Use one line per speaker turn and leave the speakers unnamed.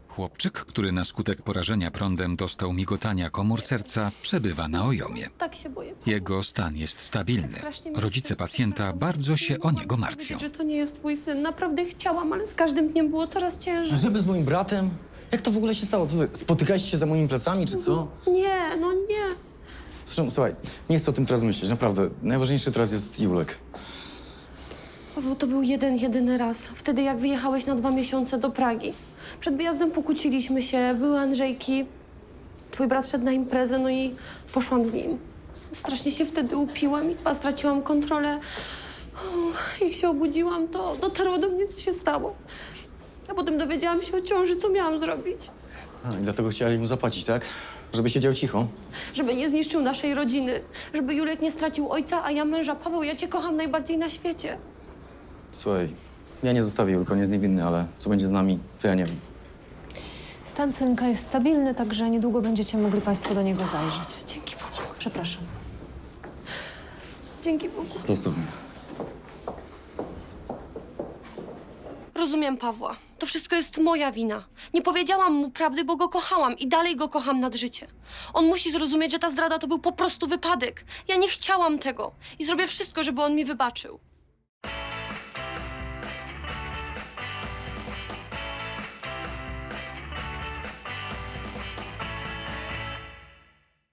Chłopczyk, który na skutek porażenia prądem dostał migotania komór serca, przebywa na Ojomie.
Tak się boję.
Jego stan jest stabilny.
Strasznie mnie
Rodzice
wstyd,
pacjenta
przepraszam.
bardzo się
Nie
o
mogłam
niego
ci
martwią.
powiedzieć, że to nie jest twój syn. Naprawdę chciałam, ale z każdym dniem było coraz ciężej.
Żeby z moim bratem? Jak to w ogóle się stało? Co wy, spotykaliście się za moimi plecami, czy co?
Nie, no nie.
Zresztą, słuchaj, nie chcę o tym teraz myśleć, naprawdę. Najważniejszy teraz jest Julek.
Paweł, to był jedyny raz. Wtedy, jak wyjechałeś na 2 miesiące do Pragi. Przed wyjazdem pokłóciliśmy się, były Andrzejki. Twój brat szedł na imprezę, no i poszłam z nim. Strasznie się wtedy upiłam i chyba straciłam kontrolę. Jak się obudziłam, to dotarło do mnie, co się stało. A potem dowiedziałam się o ciąży, co miałam zrobić.
A, i dlatego chcieli mu zapłacić, tak? Żeby siedział cicho.
Żeby nie zniszczył naszej rodziny. Żeby Julek nie stracił ojca, a ja męża. Paweł, ja cię kocham najbardziej na świecie.
Słuchaj, ja nie zostawię Julka, on jest niewinny, ale co będzie z nami, to ja nie wiem.
Stan synka jest stabilny, także niedługo będziecie mogli Państwo do niego zajrzeć.
Dzięki Bogu.
Przepraszam.
Dzięki Bogu.
Zostaw mnie.
Rozumiem Pawła. To wszystko jest moja wina. Nie powiedziałam mu prawdy, bo go kochałam i dalej go kocham nad życie. On musi zrozumieć, że ta zdrada to był po prostu wypadek. Ja nie chciałam tego i zrobię wszystko, żeby on mi wybaczył.